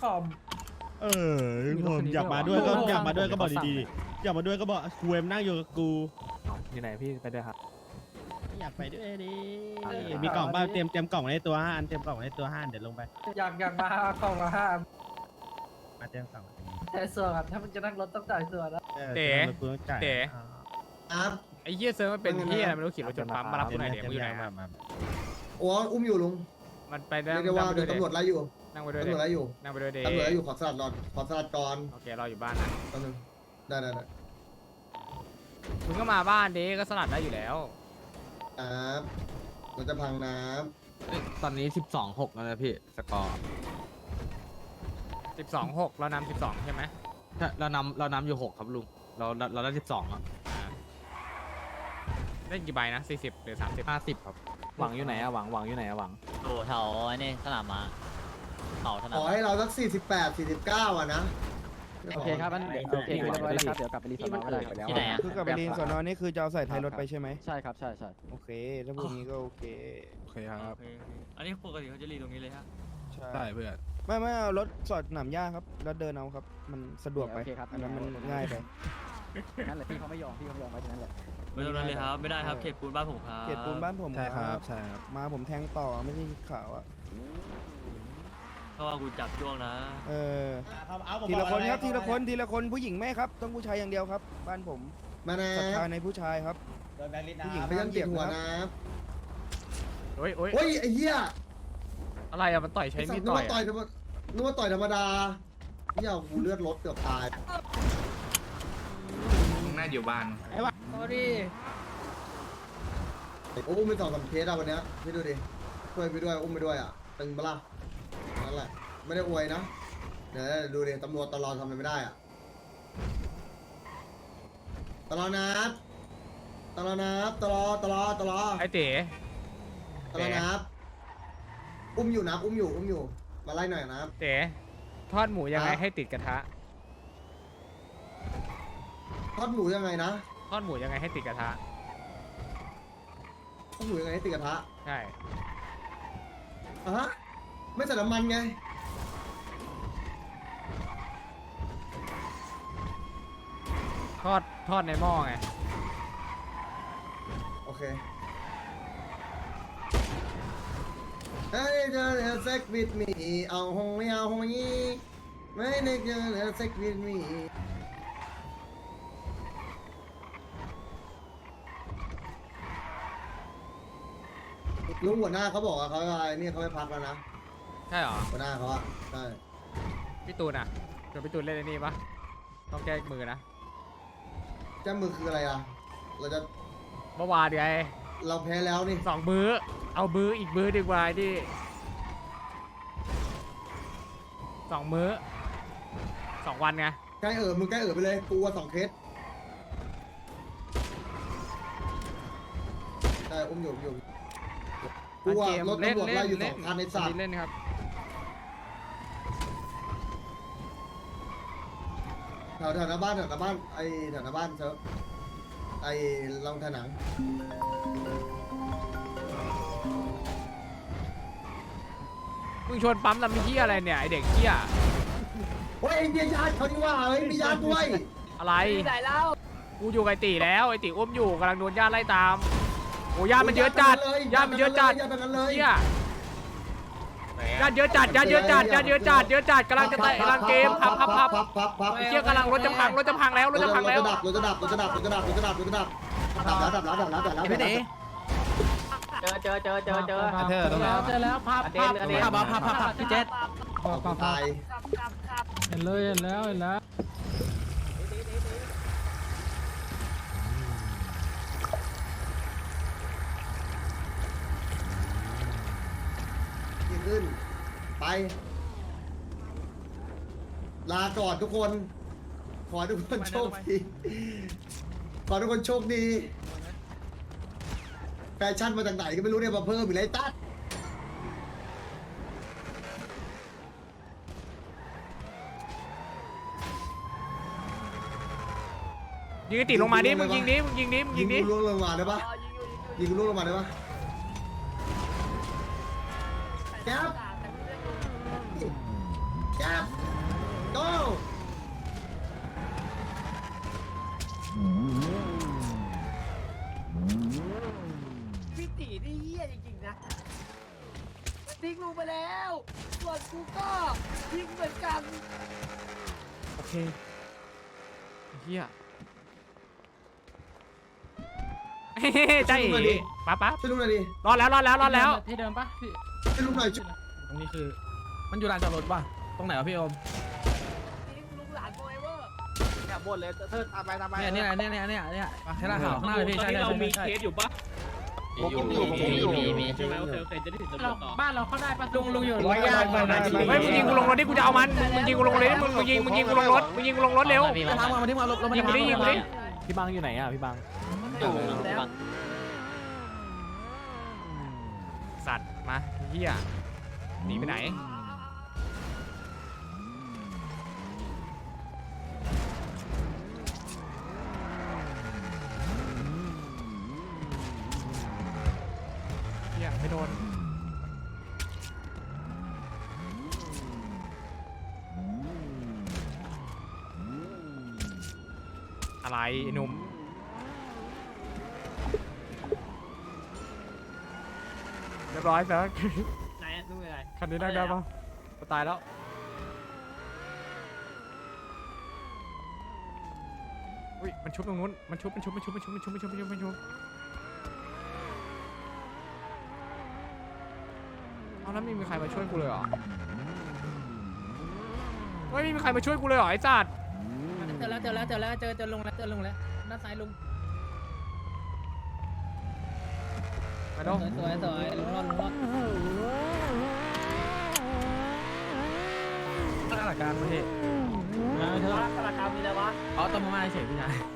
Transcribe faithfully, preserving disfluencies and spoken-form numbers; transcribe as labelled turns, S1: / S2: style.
S1: อม
S2: เออผมอยากมาด้วยก็อยากมาด้วยก็บอกดีๆอยากมาด้วยก็บอกกูเอ็มนั่งอยู่กับกู
S3: อยู่ไหนพี่ไปด้วยครับ
S2: อยากไปด้วยดิมีกล่องบ้างเตรียมเตรียมกล่องในตัวห้าอันเตรียมกล่องในตัวห้าเดี๋ยวลงไป
S1: อยากอยากมาของมาห้า
S2: มาเตรียมกล่อง
S1: แต่ส่วนถ้ามันจะนั่งรถต้องจ่ายส่วนนะ
S3: เต๋
S2: กูต้องจ่าย
S3: เต๋
S4: ครับ
S3: ไอ้เหี้ยเซิร์ฟมันเป็นเหี้ยอะไรไม่รู้ขี่รถจนปั๊มมารับกูหน่อยเดี๋ยวมึงอยู่ไหน
S2: มา
S3: อะ
S2: มา
S4: โอ้อุ้มอยู่ลุง
S3: มันไปได้
S4: เรียกได้ว่า
S3: นั่งไป
S4: โด
S3: ด้วย
S4: นตำรวจไล่อยู่
S3: นั่งไปด้วย
S4: ตำรวจไล่อยู่
S3: นั่งไปด้วยเด
S4: ตำรวจไล่อยู่ขอสลัดรอนขอสลัดก่อน
S3: โอเครออยู่บ้านนะ
S4: ตำรวจได้ได้ได้
S3: มึงก็มาบ้านเดก็สลัดได้อยู่แล้ว
S4: ครับเราจะพังน้
S5: ตอนนี้สิบสองหกแล้วนะพี่สกอร์
S3: สิบสองหกเรานำสิบสองใช่ไหม
S5: ใช่เรานำเรานำอยู่หกครับลุงเราเราเราได้สิบสองอ่ะ
S3: ได้กี่ใบนะสี่สิบหรือสามสิบ
S5: ห้าสิบครับ
S6: หวังอยู่ไหนอะหวังหวังอยู่ไหนอะหวัง
S7: โอ้แถวไอ้นี่สนามม้าเขาส
S4: ำ
S7: นา
S4: ข
S7: ม
S4: อให้เราสักสี่สิบแปดสี่สิบเก้าอ่ะนะ
S6: โอเคครับอันเดี๋ยวโอเคเรียบร้อยแล้วครับเดี๋ยวกลับไปรีสอร์ทก็ได้ไปแล้ว
S7: ที่ไหนอ่ะ
S8: คือกลับไปเรียนสอนอนี่คือจะเอาใส่ท้ายรถไปใช่ไหม
S6: ใช่ครับใช่ใช่
S8: โอเค ถ้าพวกนี้ก็โอเค
S5: โอเคครับ
S7: อันนี้ปกติเขาจะรีตรงนี้เลยฮะ
S8: ใช่
S5: ใช่เพื่อน
S8: ไม่ไม่เอารถสอดหนามหญ้าครับ แล้วเดินเอาครับ มันสะดวกไป
S6: โอเคครับ
S8: อันนั้นมันง่ายไป
S6: นั่นแหละพี่เขาไม่ยอมพี่เขาไม่ยอมไปตรงนั้นแหละ
S7: ไม่ตรงนั้นเลยครับ ไม่ได้ครับ เขตปูนบ้านผมครับ
S8: เขตปูนบ้านผม
S5: ใช่ครับใช่ครับ
S8: มาผมแทงต่อไม่ใช่ขาวอ่ะ
S7: เพราะว่ากูจับช่วงนะ
S8: เออ ทีละคนครับ ทีละคน ทีละคน ผู้หญิงไม่ครับ ต้องผู้ชายอย่างเดียวครับ บ้านผม
S4: มานะ
S8: ศรัทธาในผู้ชายครับ ผู้หญิง
S4: พยายามเก็บหัวนะ
S3: โอ้ยโอ้ย
S4: เฮ้ยไอ้เหี้ย
S3: อะไรอะมันต่อยใช้
S4: ไอ้สั
S3: มี
S4: ต
S3: ด
S4: ว์นึก
S3: ต่อย
S4: ว่าต่อย
S3: อะ
S4: ธรรมนึกว่าต่อยธรรมดาเหี้ยกูเลือดรถเกือบตาย
S5: น่าอยู่บ้าน
S1: โอ้ดิ
S4: โอ้อุ้มไปสองสามเคสอะวันเนี้ยพี่ดูดิช่วยไปด้วยอุ้มไปด้วยอ่ะตึงปะล่ะนั่นแหละไม่ได้อวยนะเดี๋ยวดูดิตำรวจตลอดทำอะไรไม่ได้อ่ะตลอดนับตลอดนับตลอดตลอดตลอด
S3: ไอ้เต๋
S4: ตลอดนับอุ้มอยู่นับอุ้มอยู่อุ้มอยู่มาไล่หน่อยนับ
S3: เต๋ทอดหมูยังไง
S4: ครับ
S3: ให้ติดกระทะ
S4: ทอดหมูยังไงนะ
S3: ทอดหมูยังไงให้ติดกระทะ
S4: ทอดหมูยังไงให้ติดกระทะ
S3: ใช่
S4: อ่ะฮะไม่ใส่น้ำมันไง
S3: ทอดทอดในหม้อไง
S4: โอเคเฮ้ยเธอเธอเซ็กวิดมีเอาหงไม่เอาหงยี่ไม่นึกเธอเธอเซ็กวิดมีลุงหัวหน้าเขาบอกว่าเขาอะไรเนี่ยเขาไปพักแล้วนะ
S3: ใช่เหรอ
S4: หัวหน้าเขาอะใช่
S3: พี่ตูนอะเดี๋ยวพี่ตูนเล่นไอ้นี่ปะต้องแก้มือนะ
S4: แจ้มือคืออะไรอะเราจะ
S3: เมื่อวานไง
S4: เราแพ้แล้วนี่
S3: สองมื้อ เอามื้ออีกมื้อดีกว่าดิสองมื้อสองวันไง
S4: ใกล้เออมึงใกล้เออไปเลยกูว่าสองเคสใช่อุ้มอยู่อุ้มอยู่กูว่ารถตำรวจไล่อยู่สองคันในสัตว์
S3: เล่นครับ
S4: แถวแถวหน้าบ้านแถวหน้าบ้านไอแถวหน้าบ้านเซอร์ไอลองถนัง
S3: มึงชวนปั๊มลำมีที่อะไรเนี่ยไอเด็กเที่ย
S4: เฮ้ยไอเดียญาติเขาดีว่าเฮ้ยมีญาติด้วย
S3: อะไร
S1: ไหนเล่า
S3: กูอยู่กับไอตีแล้วไอตีอุ้มอยู่กำลังโดนญาติไล่ตามโอ้ญาติมันเยอะจัดญาติมันเยอะจัด
S4: ญาติเป็นกันเลย
S3: เที่ยญาติเยอะจัดญาติเยอะจัดญาติเยอะจัดเยอะจัดกำลังจะเตะกำลังเกมพับพับพับ
S4: พับพับพับ
S3: ไอเที่ยกำลังรถจะพังรถจะพังแล้วรถจะพังแล้ว
S4: รถจะดับรถจะดับรถจะดับรถจะดับรถจะดับรถจะดับดับแล้วดับแล้วดับแล้วดับแล้ว
S6: เจอเจอเจอเจอเจอ
S5: เธอตรงไหน
S1: เจอแล้วภาพ
S6: อันเดนอันเดน
S5: ภาพภาพภาพภาพพี่เจษ
S4: ตาย
S1: เห็นเลยเห็นแล้วเห็นแล้ว
S4: ดีขึ้นไปลาก่อนทุกคนขอให้ทุกคนโชคดีขอให้ทุกคนโชคดีแฟชั่นมาจากไหนก็ไม่รู้เนี่ยมาเพิ่มอีกไรตัด
S3: ยิงไอตีลงมาดิมึงยิงดิมึงยิงดิมึงยิงดิ
S4: กูล่วงลงมาได้ปะยิงกูล่วงลงมาได้ปะแก๊บแก๊บ
S1: ตีนี่เหี้ยจริงๆนะทิ้งลุงไปแล้วส่วนกูก็ทิ้งเหมือนกัน
S3: โอเคเฮียเฮ้ใจเอ๋ป๊าป๊า
S4: ช่วยลุงหน่อยดิ
S3: รอดแล้วรอดแล้วรอดแล้ว
S6: ที่เดิมปะพี่
S4: ช่วยลุงหน่อยช่วย
S5: ตรงนี้คือ มันอยู่ลานจอดรถป่ะ ตรงไหนวะพี่โอม
S1: ทิ้งลุงหลานโฟเอเวอร์
S8: อย่าบ่นเลยเธอตามไปตามไป
S5: เนี่ยเนี่ยเนี่ยเนี่ยเนี่ยใช่ลานขาวข้างหน้าเลยพี่ใช่ใช่ใช่ใช่
S8: อยู่
S6: อยู่อยู่มีมี
S8: ใช่ไหมโอเคโอเคจะได้ถึงตำรวจต่อ
S6: บ้านเราเข้าได้ปะลุงลุงอยู่
S8: ร้อยยากไปนะ
S3: เฮ้ยมึงยิงกูลงรถดิกูจะเอามันมึงมึงยิงกูลงรถดิมึงมึงยิงมึงยิงกูลงรถมึงยิงกูลงรถเร็ว
S5: มาทางมาที่มาลงมา
S3: ยิงกูดิยิงกูดิ
S6: พี่บังอยู่ไหนอ่ะพี่บัง
S3: สัตว์มาเฮียหนีไปไหนเฮียไม่โดนอะไรไอ้หนุ่มเรียบร้อยแป๊บ
S8: ไหนนู่นอะไร
S3: คันนี้ได้ได้ปะตายแล้วอุ้ยมันชุบตรงนู้นมันชุบมันชุบมันชุบมันชุบมันชุบมันชุบมันชุบมันชุบเอาแล้วไม่มีใครมาช่วยกูเลยเหรอไม่มีใครมาช่วยกูเลยเหรอไอ้จัด
S6: เจอแล้วเจอแล้วเจอแล้วเจอเจอลุงแล้วเจอลุงแล้วด้านซ้ายลุง
S3: มาดู
S6: สวยสวยลุงรอดลุงรอด
S5: ข้างหลังกลางประเทศ
S1: กระกามีอะไรวะ
S5: อ๋อต้มมาม่าเฉยพี่ชาย